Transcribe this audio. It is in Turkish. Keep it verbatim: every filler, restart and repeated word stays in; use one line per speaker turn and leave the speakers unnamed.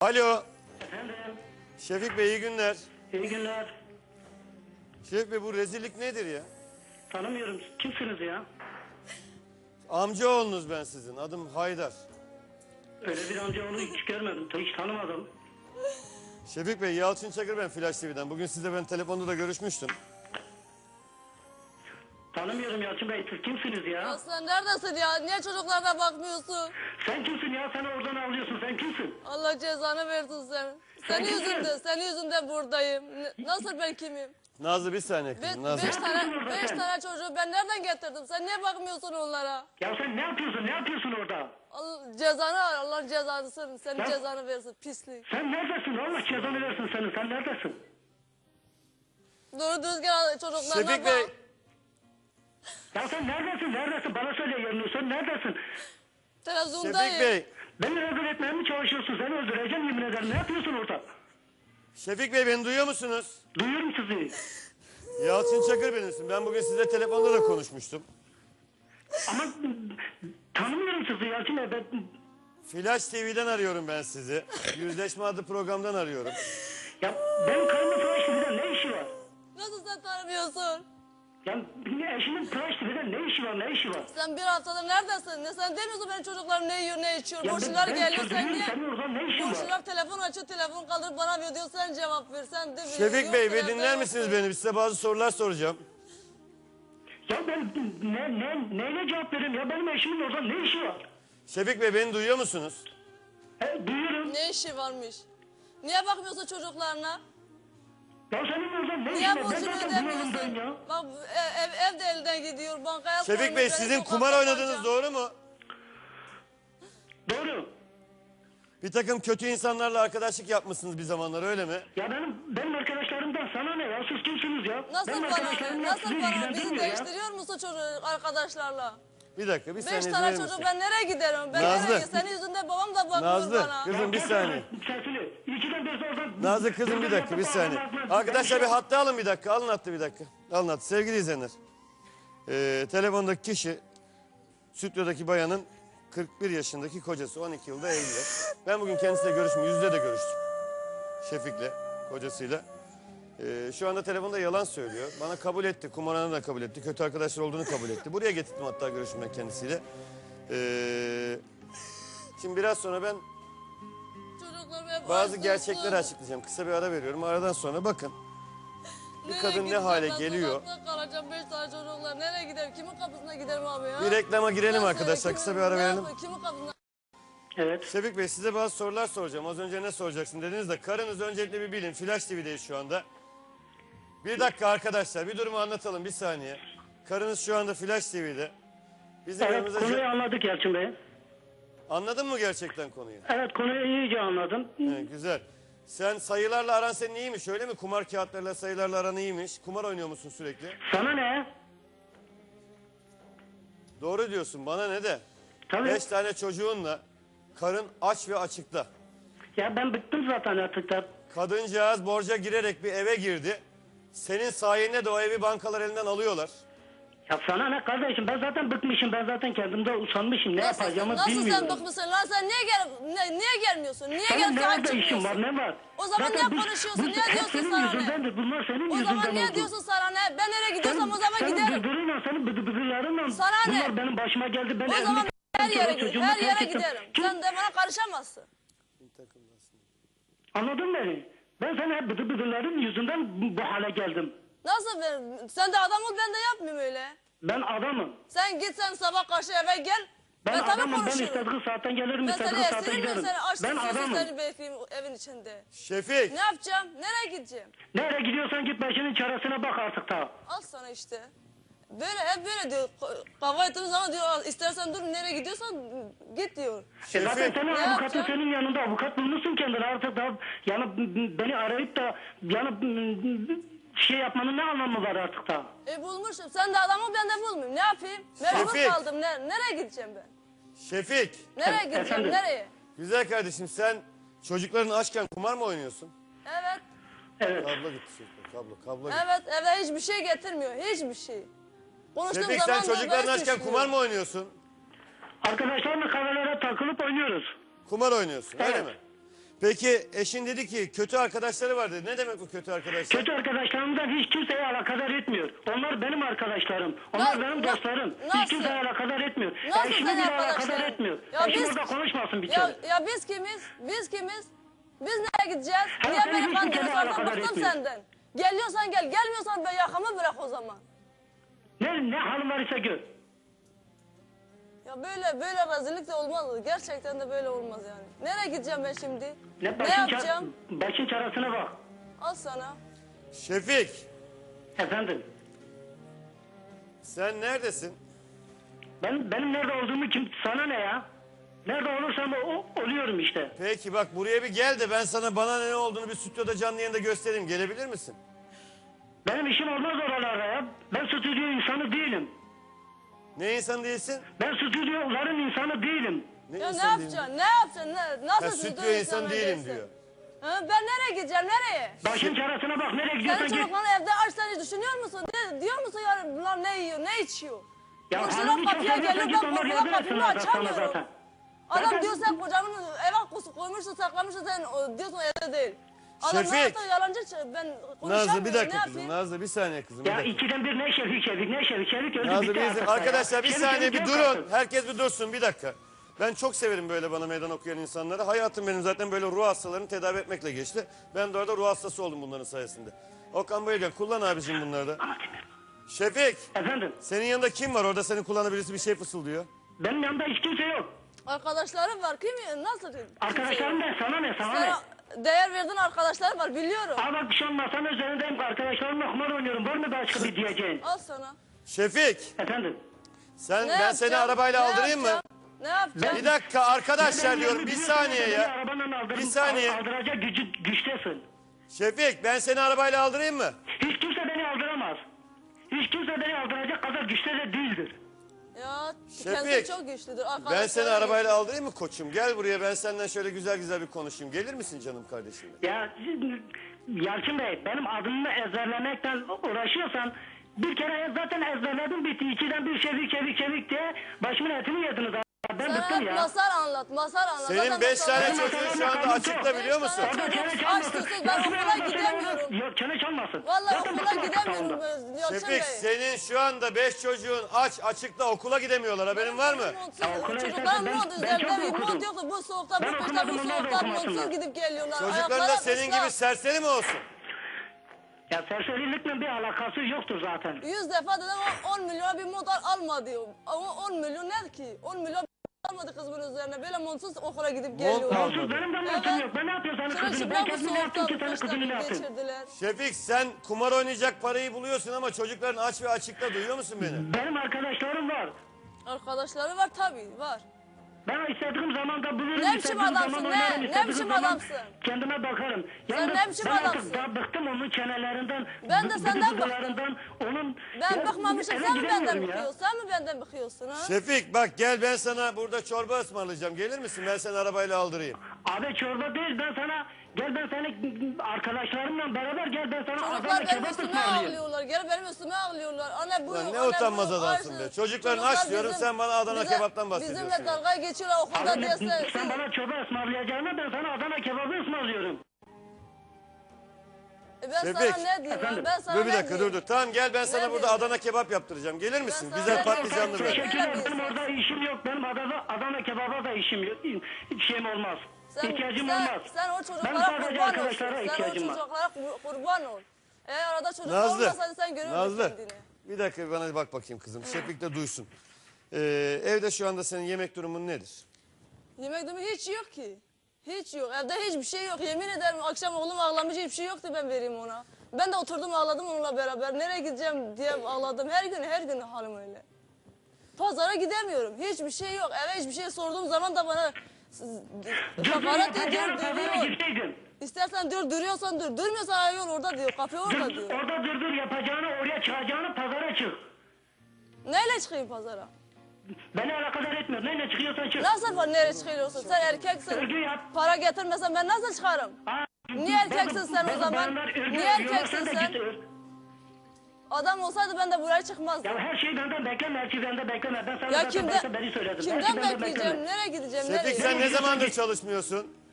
Alo.
Efendim,
Şefik Bey iyi günler.
iyi günler.
Şefik Bey bu rezillik nedir ya?
Tanımıyorum. Kimsiniz ya?
Amcaoğlunuz ben sizin. Adım Haydar.
Öyle bir amcaoğlu hiç görmedim. Hiç tanımadım.
Şefik Bey, Yalçın Çakır ben Flash T V'den. Bugün sizle ben telefonda da görüşmüştüm.
Tanımıyorum Yalçın Bey. Siz kimsiniz ya?
Ya sen neredesin ya? Niye çocuklarına bakmıyorsun?
Sen kimsin ya? Sen oradan ağlıyorsun. Sen kimsin?
Allah cezanı versin sen. Senin
kimsin?
yüzünden, senin yüzünden buradayım. Ne- Nasıl ben kimim?
Nazlı bir saniye
Be
kızım. Nazlı.
beş tane,
yapıyorsun orada
beş
sen?
tane çocuğu ben nereden getirdim? Sen niye bakmıyorsun onlara?
Ya sen ne yapıyorsun? Ne yapıyorsun orada?
Allah cezanı al, Allah cezanı senin
Ya-
cezanı versin pislik.
Sen neredesin? Allah cezanı versin senin. Sen neredesin?
Doğru düzgün çocuklarına
Şefik
bak.
Bey,
Ya sen neredesin? Neredesin? Bana söyle yerini. Sen neredesin?
Televizyondayım.
Şefik Bey.
Beni rezil etmeye mi çalışıyorsun? Seni öldüreceğim yemin ederim. Ne yapıyorsun orada?
Şefik Bey beni duyuyor musunuz?
Duyuyorum sizi.
Yalçın Çakır benimsin. Ben bugün sizle telefonda da konuşmuştum.
Ama tanımıyorum sizi Yalçın Bey. Ben...
Flash T V'den arıyorum ben sizi. Yüzleşme adlı programdan arıyorum.
Ya benim karımın Tıraş T V'den ne işi var?
Nasıl sen tanımıyorsun?
Ya eşimin Tıraş T V'den ne işi var? Ne işi var?
Sen bir haftadır neredesin? Ne sen demiyorsun benim çocuklarım ne yiyor ne içiyor?
Ya
Komşular
ben- ben
geliyor sen
çocuğum,
niye?
senin orada ne işin var?
Komşular telefon açıyor telefon kaldırıp bana veriyor diyor sen cevap ver sen de
Şefik
yok
Bey bir
telefon,
dinler
yok.
misiniz beni? Size bazı sorular soracağım.
Ya ben ne, ne, neyle cevap vereyim? Ya benim eşimin orada ne işi var?
Şefik Bey beni duyuyor musunuz?
He, duyuyorum.
Ne işi varmış? Niye bakmıyorsun çocuklarına?
Ya senin orada ne işin
Niye
var? Ben
borcunu
zaten bu yolundayım
ödemiyorsun?
ya.
Bak ev, ev, ev de elden gidiyor bankaya
Şefik
koymuş,
Bey
beni
sizin
sokakta
kumar oynadığınız
bırakacağım.
doğru mu?
Doğru.
Bir takım kötü insanlarla arkadaşlık yapmışsınız bir zamanlar öyle mi?
Ya benim benim arkadaşlarımdan sana ne ya? Siz kimsiniz ya?
Nasıl
benim
bana
arkadaşlarımla
nasıl
sizi
bana bizi
ilgilendirmiyor ya.
değiştiriyor musun çocuk arkadaşlarla?
Bir dakika bir
Beş
saniye
tane
verir
çocuk
misin?
ben nereye giderim? Ben
Nazlı.
nereye? Senin yüzünden babam da bakmıyor
Nazlı,
bana.
kızım.
Ya
bir
kes
saniye.
Sesini. İkiden bir oradan...
Nazlı kızım bir dakika bir saniye. Arkadaşlar bir hatta alın bir dakika. Alın hattı bir dakika. Alın hattı. Sevgili izleyenler. Ee, telefondaki kişi stüdyodaki bayanın kırk bir yaşındaki kocası. on iki yılda evliler. Ben bugün kendisiyle görüştüm. Yüzde de görüştüm. Şefik'le, kocasıyla. Ee, şu anda telefonda yalan söylüyor. Bana kabul etti. Kumarhanı da kabul etti. Kötü arkadaşlar olduğunu kabul etti. Buraya getirdim hatta görüşmek kendisiyle. Ee, şimdi biraz sonra ben
Çocuklarım hep
bazı
açsız.
gerçekleri açıklayacağım. Kısa bir ara veriyorum. Aradan sonra bakın. Bir
Nereye
kadın ne
gideceğim
hale
ben?
geliyor?
Sokakta kalacağım beş tane çocuklar. Nereye giderim? Kimin kapısına giderim abi ya?
Bir reklama girelim
Nasıl?
arkadaşlar.
Kimin-
Kısa bir ara
ne
verelim.
yapayım? Kimin kapısına?
Evet.
Şefik Bey size bazı sorular soracağım. Az önce ne soracaksın dediniz de karınız öncelikle bir bilin. Flash T V'deyiz şu anda. Bir dakika arkadaşlar bir durumu anlatalım bir saniye. Karınız şu anda Flash T V'de. Bizim
Evet
yanımıza...
konuyu anladık Yalçın Bey.
Anladın mı gerçekten konuyu?
Evet konuyu iyice anladım.
He, güzel. Sen sayılarla aran senin iyiymiş öyle mi? Kumar kağıtlarıyla sayılarla aran iyiymiş. Kumar oynuyor musun sürekli?
Sana ne?
Doğru diyorsun bana ne de.
Tabii.
Beş tane çocuğunla karın aç ve açıkta.
Ya ben bıktım zaten artık da.
Kadıncağız borca girerek bir eve girdi. Senin sayende de o evi bankalar elinden alıyorlar.
Ya sana ne kardeşim? Ben zaten bıkmışım. Ben zaten kendimde usanmışım. Ne
Nasıl,
yapacağımı
nasıl
bilmiyorum.
sen bıkmışsın lan sen niye gel ne, niye gelmiyorsun? Niye
Senin
gelip
ne
sahip
orada işin var?
çıkmıyorsun?
Ne var?
O zaman
Zaten
niye
bu-
konuşuyorsun?
bu
Niye
hep
diyorsun
senin
sana ne?
yüzündendir. Bunlar senin
O
yüzünden
zaman niye
oldu.
diyorsun sana ne? Ben nereye gidiyorsam o zaman
senin
giderim.
bıdırınla, senin bıdı bıdırlarınla
Sana ne?
bunlar benim başıma geldi. Ben
O
evimi
zaman her
terk
yere
ettim,
giderim.
çocuğumu
Her
terk
yere
ettim.
giderim.
Kim-
Sen de bana karışamazsın.
Anladın mı beni? Ben sana hep bıdı bıdırların yüzünden bu, bu hale geldim.
Nasıl ben? Sen de adam ol ben de yapmayayım öyle.
Ben adamım.
Sen git sen sabah karşı eve gel.
Ben,
Ben, tabii
adamım. Ben
konuşurum.
istediği saatten gelirim,
Ben seni
istediği saatte
esirmeyeyim
giderim.
seni açtım
Ben
sözü
adamım.
seni bekleyeyim evin içinde.
Şefik.
Ne yapacağım? Nereye gideceğim?
Nereye gidiyorsan git başının çaresine bak artık da.
Al sana işte. Böyle hep böyle diyor. Kavga ettiğimiz zaman diyor "Al, istersen dur nereye gidiyorsan git diyor.
E zaten
Şefik.
senin
Ne
avukatın
yapacağım?
senin yanında. Avukat bulmuşsun kendine artık da. Yani beni arayıp da yani şey yapmanın ne anlamı var artık da?
E bulmuşum. Sen de adamı ben de bulmayayım. Ne yapayım? Mecbur
Şefik.
kaldım. Ne, nereye gideceğim ben?
Şefik.
Nereye
Evet,
gideceğim?
efendim?
Nereye?
Güzel kardeşim sen çocukların açken kumar mı oynuyorsun?
Evet.
Evet.
Kablo gitti çocuklar. Kablo, kablo gitti.
Evet evde hiçbir şey getirmiyor. Hiçbir şey. Konuştuğum
Şefik sen
zaman da
çocukların
böyle
açken
düşünüyor.
kumar mı oynuyorsun?
Arkadaşlarla kahvelere takılıp oynuyoruz.
Kumar oynuyorsun öyle
Evet.
mi? Peki eşin dedi ki kötü arkadaşları var dedi. Ne demek bu kötü arkadaşlar?
Kötü arkadaşlarımdan hiç kimseye alakadar etmiyor. Onlar benim arkadaşlarım. Onlar
Na-
benim
na-
dostlarım.
nasıl?
Hiç kimseye alakadar etmiyor.
Nasıl
Eşimi
sen
bile alakadar
arkadaşlar?
etmiyor.
Ya
Eşim
biz-
orada konuşmasın bir
Ya,
kere.
ya biz kimiz? Biz kimiz? Biz nereye gideceğiz?
Ha,
Niye
seni
beni
hiç kimse
kandırıyorsun? Artık
alakadar
bıktım
etmiyor.
senden. Geliyorsan gel, gelmiyorsan ben yakamı bırak o zaman.
Ne, ne halin var ise gör.
Ya böyle böyle rezillik de olmaz. Gerçekten de böyle olmaz yani. Nereye gideceğim ben şimdi?
Ne,
Ne
başın,
yapacağım?
ça- başın çaresine bak.
Al sana.
Şefik
Efendim.
sen neredesin?
Ben, benim nerede olduğumu kim, sana ne ya? Nerede olursam o, oluyorum işte.
Peki bak buraya bir gel de ben sana bana ne olduğunu bir stüdyoda canlı yayında göstereyim. Gelebilir misin?
Benim işim olmaz oralarda ya. Ben stüdyo insanı değilim.
Ne insan değilsin?
Ben stüdyoların insanı değilim.
Ne
Ya ne
insan değilim?
yapacaksın? Ne yapacaksın? Ne, nasıl
Ha,
stüdyo
stüdyo insan
insanı
değilim
değilsin?
diyor.
Ha, ben nereye gideceğim? Nereye?
Başın çaresine bak, nereye gidiyorsan
Senin
git.
çocukların evde aç, sen hiç düşünüyor musun? Ne, diyor musun ya bunlar ne yiyor, ne içiyor?
Ya
Komşular
hanım
kapıya
içiyorsa
geliyor,
git,
ben
onlar
korkudan
yardım
kapımı
etsinler sana
açamıyorum.
zaten.
Adam
Zaten-
diyor sen kocamın eve kusu koymuşsun, saklamışsın, sen o, diyorsun evde değil. Adam
Şefik.
ne yaptı, yalancı, ç- ben konuşamıyorum,
Nazlı bir
ne
dakika kızım.
yapayım?
Nazlı bir saniye kızım. Bir
Ya
dakika.
ikiden bir ne Şevik Şevik ne Şevik Şevik öldü
Nazlı
bitti
bir izin-
artık ya.
Arkadaşlar bir
Şevik
saniye
Şevik
bir
yok
durun.
artık.
Herkes bir dursun bir dakika. Ben çok severim böyle bana meydan okuyan insanları. Hayatım benim zaten böyle ruh hastalarını tedavi etmekle geçti. Ben de orada ruh hastası oldum bunların sayesinde. Okan Bayülgen kullan abicim bunları da. Şefik
Efendim
senin yanında kim var orada senin kulağına birisi bir şey fısıldıyor.
benim yanımda hiç kimse yok.
Arkadaşlarım var, kim, nasıl?
Arkadaşlarım ne sana ne sana ne?
Sana değer verdiğin arkadaşlar var, biliyorum.
Ama bak şu an masanın üzerindeyim, arkadaşlarımla kumar oynuyorum. Var mı başka bir diyeceğin?
Al sana.
Şefik
Efendim.
sen
Ne
ben seni
yapacağım?
arabayla
Ne
aldırayım mı?
yapacağım? Ne yapacağım?
Bir dakika arkadaşlar
Benim
diyorum
yanımı
bir
biliyorsun,
saniye
beni
ya.
arabanla aldırın,
Bir saniye.
Aldıracak gücü, güçtesin.
Şefik ben seni arabayla aldırayım mı?
Hiç kimse beni aldıramaz. Hiç kimse beni aldıracak kadar güçte de değildir.
Ya
Şefik,
kendisi çok güçlüdür.
Ben seni
Arkadaşları
arabayla aldırayım mı koçum? Gel buraya ben senden şöyle güzel güzel bir konuşayım. Gelir misin canım kardeşim?
Ya Yalçın Bey, benim adımı ezberlemekten uğraşıyorsan bir kere zaten ezberledim bitti. İkiden bir çevik çevik çevik diye başımın etini yediniz. abi. Ben
Sana
bıktım
hep
ya.
masal anlat, masal anlat.
Senin
Zaten
beş
masal-
tane
Benim
çocuğun şu anda
masallarım
açıkta
çok.
biliyor musun?
Beş tane
Orada çene
Aç
çalmasın.
susuz, ben
Resmi
okula
olmasın,
gidemiyorum.
Yok çene çalmasın.
Vallahi
Zaten
okula
bıktım artık
gidemiyorum.
sağında.
Yalçın Bey.
Şefik senin şu anda beş çocuğun aç açıkta okula gidemiyorlar haberin var mı?
Ya okula
Çocuklar
istersen ben-
mont
ben çok
üzerinde bir
okudum.
mont yoktu. Bu soğukta, bu
Ben
kışta,
okumadım,
bu
onlar da
soğukta
okumasınlar.
montsuz gidip geliyorlar.
Çocukların da
Ayakları
senin
ıslak.
gibi serseri mi olsun?
Ya serserilikle bir alakası yoktur zaten.
Yüz defa dedim on milyona bir mont al, alma diyor. Ama on milyon ne ki? on milyon almadı kızımın üzerine. Böyle montsuz okula gidip geliyor.
al.
Onsuz benim de montum
Evet.
yok. Ben ne yapıyorum senin
Şöyle
kızını? Ben
şıprak bu
kendimi ne yaptım
soğukta,
ki senin
kışta
kızını ne yaptım?
geçirdiler.
Şefik sen kumar oynayacak parayı buluyorsun ama çocukların aç ve açıkta duyuyor musun beni?
Benim arkadaşlarım var.
Arkadaşları var tabii, var.
Ben istediğim zaman da bulurum.
Ne biçim
istediğim
adamsın,
zaman
ne?
oynarım,
Ne
istediğim
biçim
zaman
adamsın?
Kendime bakarım.
Sen
Yani
ne biçim
ben artık
adamsın?
daha bıktım onun çenelerinden.
Ben de
bı-
senden bıktım.
bıdıdılarından, Onun...
Ben
Ya,
bıkmamışım,
eve
sen mi benden
gidemiyorum ya.
bıkıyorsun? Sen mi benden bıkıyorsun ha?
Şefik bak gel ben sana burada çorba ısmarlayacağım. Gelir misin? Ben seni arabayla aldırayım.
Abi çorba değil, ben sana... Gel ben seni arkadaşlarımla beraber gel ben sana
Çocuklar
Adana
benim
kebap
üstüme
ısmarlayayım.
ağlıyorlar. Gel benim üstüme ağlıyorlar. Anne bu
Lan
yok,
ne
anne
utanmaz
bu yok,
adamsın
Ayşe.
be. Çocukların
Çocuklar
aç diyorum, sen bana Adana kebaptan bahsediyorsun
Bizimle
ya.
dalga geçiyorlar okulda
Abi,
diye sen.
sen bana çorba ısmarlayacağına ben sana Adana kebabı ısmarlıyorum.
E ben
Şefik.
sana ne diyeyim?
Efendim?
Ben sana
Dur bir
ne
dakika dur
diyeyim?
dur. Tamam gel ben sana
Ne
burada
diyorsun?
Adana kebap yaptıracağım. Gelir misin?
sana
Güzel
ne
patlıcanlı
diyorum?
böyle.
Teşekkür
Öyle
ederim.
bir
Benim
insan.
orada işim yok. Benim Adana, Adana kebaba da işim yok. Şeyim olmaz.
Sen,
İhtiyacım
sen,
olmaz.
sen o
Ben
çocuklara
sadece
kurban olsun.
arkadaşlara
Sen o
ihtiyacım var.
çocuklara kur- kurban ol. Eğer arada çocuk
Nazlı.
olmasaydı sen görürdün
Nazlı.
kendini.
Bir dakika bana bak bakayım kızım. Şefik de duysun. Ee, evde şu anda senin yemek durumun nedir?
Yemek durumu hiç yok ki. Hiç yok. Evde hiçbir şey yok. Yemin ederim akşam oğlum ağlamış hiçbir şey yoktu ben vereyim ona. Ben de oturdum ağladım onunla beraber. Nereye gideceğim diye ağladım. Her gün her gün halim öyle. Pazara gidemiyorum. Hiçbir şey yok. Eve hiçbir şey sorduğum zaman da bana hakaret ediyor,
Pazara
duruyor.
gitseydin.
İstersen dur, duruyorsan dur. Durmuyorsan ay yol orada diyor. Kapı orada
Dur,
diyor.
orada dur dur yapacağını oraya çıkacağını pazara çık.
Neyle çıkayım pazara?
Beni alakadar etmiyor. Neyle çıkıyorsan çık.
Nasıl var nereye çıkıyorsun? Sen erkeksin.
Örgü yap.
Para getirmesen ben nasıl çıkarım?
Aa,
Niye erkeksin
bazı-
sen o
bazı
zaman?
bayanlar örgü
Niye
örüyorlar,
erkeksin
de
sen?
git ör.
Adam olsaydı ben de buraya çıkmazdım.
Ya her şeyi benden bekleme, her şeyi benden bekleme. Ben sana
Ya
zaten
kimden,
başta beni söyledim. Her şeyi
kimden
benden
bekleyeceğim?
bekleme.
Nereye gideceğim?
Şefik
Nereye?
sen ne zamandır çalışmıyorsun?